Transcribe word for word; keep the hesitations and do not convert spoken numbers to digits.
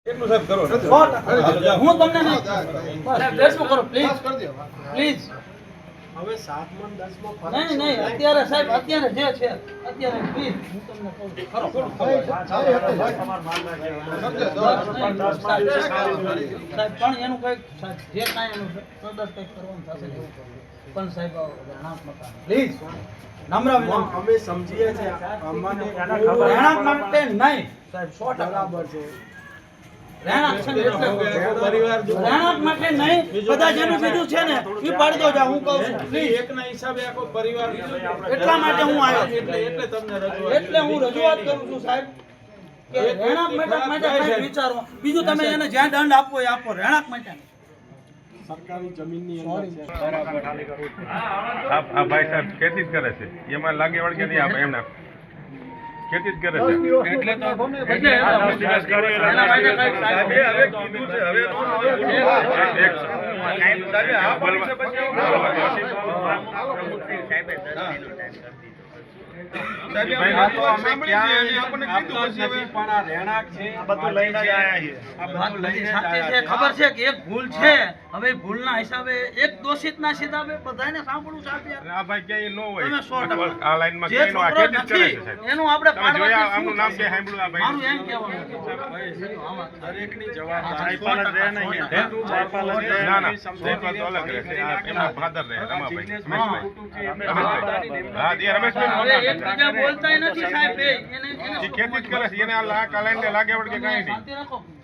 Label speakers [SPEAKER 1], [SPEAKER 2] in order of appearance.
[SPEAKER 1] એટલું સાહેબ કરો
[SPEAKER 2] હું તમને નહીં સાહેબ દસમું કરો પ્લીઝ પ્લીઝ
[SPEAKER 3] હવે સાત મણ દસ મણ ફરક
[SPEAKER 2] નહીં નહીં અત્યારે સાહેબ અત્યારે જે છે અત્યારે પ્લીઝ હું તમને કહું છું ખરો સાહેબ પણ એનું કંઈક જે કાંઈ એનું કદાચ કંઈક કરવાનું થશે ને એવું પણ સાહેબ રહેણાંક મકાન પ્લીઝ નમ્ર વિનંતી
[SPEAKER 3] અમે સમજીએ છીએ અમને
[SPEAKER 2] રહેણાંક માટે નહીં સાહેબ સો ટકા
[SPEAKER 3] બરાબર છે
[SPEAKER 2] રહેણાંક છે ને એટલે રહેણાંક માટે નહીં બધા જેનું બીજું છે ને એ પાડી દો જા હું કહું છું પ્લીઝ
[SPEAKER 1] એકના હિસાબે આખો પરિવાર
[SPEAKER 2] એટલા માટે હું આવ્યો
[SPEAKER 1] એટલે એટલે તમને રજૂઆત
[SPEAKER 2] એટલે હું રજૂઆત કરું છું સાહેબ કે રહેણાંક માટે માટે કંઈક વિચારો બીજું તમે એને જ્યાં દંડ આપવો એ આપો રહેણાંક માટે
[SPEAKER 3] સરકારી જમીનની અંદર છે
[SPEAKER 4] આ ભાઈ સાહેબ ખેતી જ કરે છે એમાં લાગે વળગે નહીં આપણે એમના ખેતી જ કરે છે
[SPEAKER 1] એટલે તો
[SPEAKER 2] એટલે એના માટે કંઈક સાહેબ
[SPEAKER 4] હવે કીધું છે હવે એક સાહેબ આ બોલવા
[SPEAKER 2] ખબર છે કે એક ભૂલ છે હવે ભૂલના હિસાબે એક દોષિતના હિસાબે બધાને સાંભળવું સાહેબ
[SPEAKER 4] આ ભાઈ ક્યાંય ન હોય
[SPEAKER 2] તમે સો ટકા.
[SPEAKER 4] આ લાઈનમાં
[SPEAKER 2] જે
[SPEAKER 4] ક્યાંય નો આ
[SPEAKER 2] છોકરો
[SPEAKER 4] ખેતી જ કરે
[SPEAKER 2] નથી
[SPEAKER 4] છે સાહેબ
[SPEAKER 2] એનું આપણે
[SPEAKER 4] તમે જોયા
[SPEAKER 2] પાડવાથી
[SPEAKER 4] આમનું
[SPEAKER 2] શું
[SPEAKER 4] નામ
[SPEAKER 2] થશે?
[SPEAKER 4] ક્યાં સાંભળ્યું આ
[SPEAKER 2] મારું
[SPEAKER 4] ભાઈ
[SPEAKER 2] એમ કહેવાનું
[SPEAKER 3] દરેકની
[SPEAKER 4] ના ના જયપાલ તો અલગ રહે છે આ એમના ફાધર રહે રમાભાઈ રમેશભાઈ રમેશભાઈ હા એ રમેશભાઈ
[SPEAKER 2] હવે એકબીજા બોલતાય નથી સાહેબ એ એને એને
[SPEAKER 4] એ ખેતી જ કરે છે એને આ લાઈન ને લાગે વળગે કાંઈ નહીં
[SPEAKER 2] શાંતિ રાખો